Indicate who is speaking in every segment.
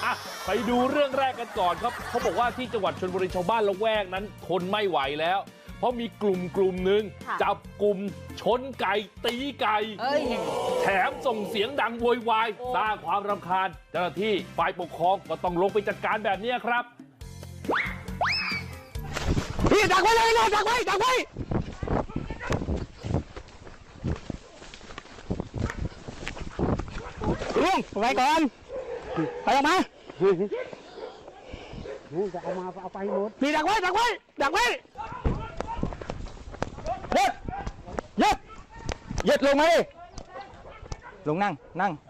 Speaker 1: ไปดูเรื่องแรกกันก่อนครับเขาบอกว่าที่จังหวัดชลบุรีชาวบ้านละแวกนั้นทนไม่ไหวแล้วเพราะมีกลุ่มหนึ่งจับกลุ่มชนไก่ตีไก่แถมส่งเสียงดังโวยวายสร้างความรำคาญเจ้าหน้าที่ฝ่ายปกครองก็ต้องลงไปจัดการแบบนี้ครับ
Speaker 2: พี่ดักไว้เลยนะดักไว้ลุงไปก่อนไปออกมา
Speaker 3: จะเอาไปหมด
Speaker 2: พี่ดักไว้ยึดลงมาดิลงนั่ง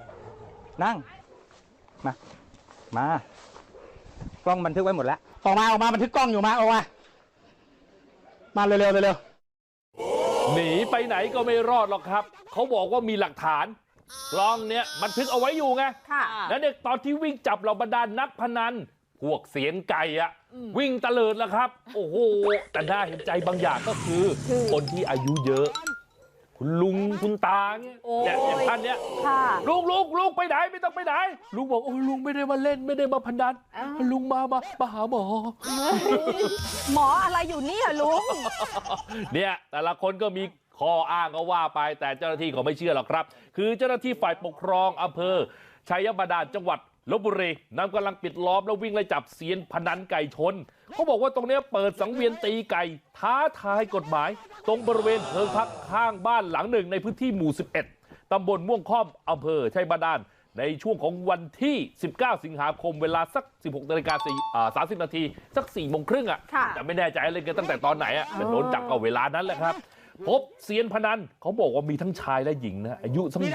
Speaker 2: มากล้องบันทึกไว้หมดแล้วออกมาบันทึกกล้องอยู่มาออกมาเร็ว
Speaker 1: หนีไปไหนก็ไม่รอดหรอกครับเขาบอกว่ามีหลักฐานกล้องเนี้ยบันทึกเอาไว้อยู่ไงแล้วเด็กตอนที่วิ่งจับเหล่าบรรดานักพนันพวกเสียนไก่วิ่งตะเลิดแล้วครับโอ้โหแต่น่าเห็นใจบางอย่างก็คือคนที่อายุเยอะคุณลุงคุณตาเนี่ยอย่างท่านเนี้ยลุงไปไหนไม่ต้องไปไหนลุงบอกโอ้ลุงไม่ได้มาเล่นไม่ได้มาพนันลุงมาหาหมอ
Speaker 4: หมออะไรอยู่นี่อะลุง
Speaker 1: เนี่ยแต่ละคนก็มีข้ออ้างก็ว่าไปแต่เจ้าหน้าที่เขาไม่เชื่อหรอกครับคือเจ้าหน้าที่ฝ่ายปกครองอำเภอชัยบาดาลจังหวัดลพบุรีนำกำลังปิดล้อมแล้ววิ่งไล่จับเซียนพนันไก่ชนเขาบอกว่าตรงนี้เปิดสังเวียนตีไก่ท้าทายกฎหมายตรงบริเวณเพิงพักข้างบ้านหลังหนึ่งในพื้นที่หมู่11ตำบลม่วงค่อมอำเภอชัยบาดาลในช่วงของวันที่19สิงหาคมเวลาสัก 16:30 นาทีสัก 4 โมงครึ่งแต่ไม่แน่ใจเล่นกันตั้งแต่ตอนไหนแต่โดนจับเอาเวลานั้นแหละครับพบเซียนพนันเขาบอกว่ามีทั้งชายและหญิงนะอายุสัก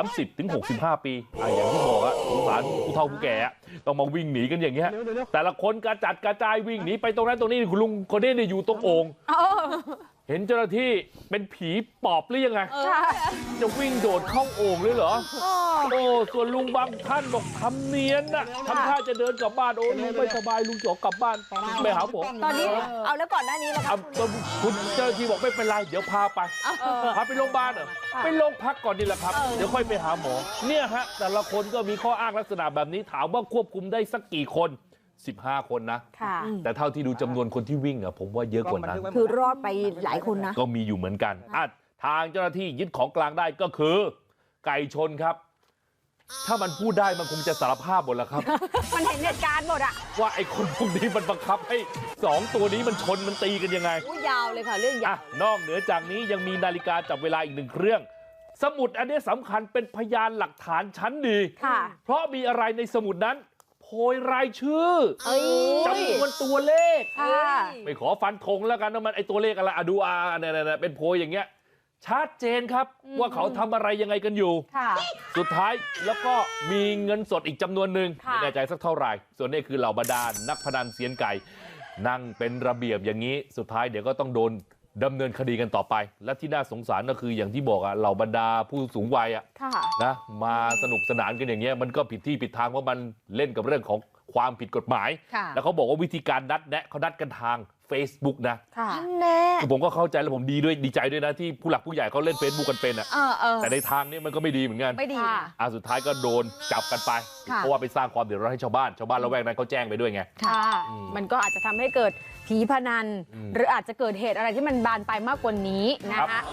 Speaker 1: 30-65 ปีอย่างที่บอกสงสารผู้เฒ่าผู้แก่ต้องมาวิ่งหนีกันอย่างเงี้ยแต่ละคนกระจัดกระจายวิ่งหนีไปตรงนั้นตรงนี้คุณลุงคนนี้อยู่ตรงโอ่งเห็นเจ้าหน้าที่เป็นผีปอบหรือยังไงจะวิ่งโดดเข้าโอ่งเลยเหรอโอ้ส่วนลุงบางท่านบอกทำเนียนทำท่าจะเดินกลับบ้านโอ้ลุงไม่สบายลุงจะกลับบ้านไปหาหมอ
Speaker 4: ตอนนี้เอาแล้วก่อนหน้านี้แล้ว
Speaker 1: คุณเจ้าหน้าที่บอกไม่เป็นไรเดี๋ยวพาไปโรงพยาบาลไปโรงพักก่อนนี่แหละครับเดี๋ยวค่อยไปหาหมอเนี่ยฮะแต่ละคนก็มีข้ออ้างลักษณะแบบนี้ถามว่าควบคุมได้สักกี่คน15 คนนะแต่เท่าที่ดูจำนวนคนที่วิ่งผมว่าเยอะกว่านั้น
Speaker 4: คือรอดไปหลายคนนะ
Speaker 1: ก็มีอยู่เหมือนกันทางเจ้าหน้าที่ยึดของกลางได้ก็คือไก่ชนครับถ้ามันพูดได้มันคงจะสารภาพหมดแล้วครับ
Speaker 4: มันเห็นเหตุการณ์หมด
Speaker 1: ว่าไอ้คนพวกนี้มันบังคับให้2ตัวนี้มันชนมันตีกันยังไง
Speaker 4: ยาวเลยค่ะเรื่องยาวน
Speaker 1: อกเหนือจากนี้ยังมีนาฬิกาจับเวลาอีก1 เครื่องสมุดอันนี้สำคัญเป็นพยานหลักฐานชั้นดีเพราะมีอะไรในสมุดนั้นโพยรายชื่อจำนวนตัวเลขไม่ขอฟันธงแล้วกันว่ามันไอตัวเลขอะไรดูเนี่ยเป็นโพยอย่างเงี้ยชัดเจนครับว่าเขาทำอะไรยังไงกันอยู่สุดท้ายแล้วก็มีเงินสดอีกจำนวนหนึ่งไม่แน่ใจสักเท่าไหร่ส่วนนี้คือเหล่าบรรดานักพนันเซียนไก่นั่งเป็นระเบียบอย่างนี้สุดท้ายเดี๋ยวก็ต้องโดนดำเนินคดีกันต่อไปและที่น่าสงสารก็คืออย่างที่บอกเหล่าบรรดาผู้สูงวัยนะมาสนุกสนานกันอย่างเงี้ยมันก็ผิดที่ผิดทางเพราะมันเล่นกับเรื่องของความผิดกฎหมายแล้วเขาบอกว่าวิธีการนัดแนะเขานัดกันทาง Facebook นะผมก็เข้าใจแล้วผมดีใจด้วยนะที่ผู้หลักผู้ใหญ่เขาเล่น Facebook กันเป็นแต่ในทางนี้มันก็ไม่ดีเหมือนกัน
Speaker 4: ไม่ดี
Speaker 1: สุดท้ายก็โดนจับกันไปเพราะว่าไปสร้างความเดือดร้อนให้ชาวบ้านละแวกนั้นเขาแจ้งไปด้วยไง
Speaker 4: มันก็อาจจะทำให้เกิดผีพนันหรืออาจจะเกิดเหตุอะไรที่มันบานไปมากกว่านี้นะคะ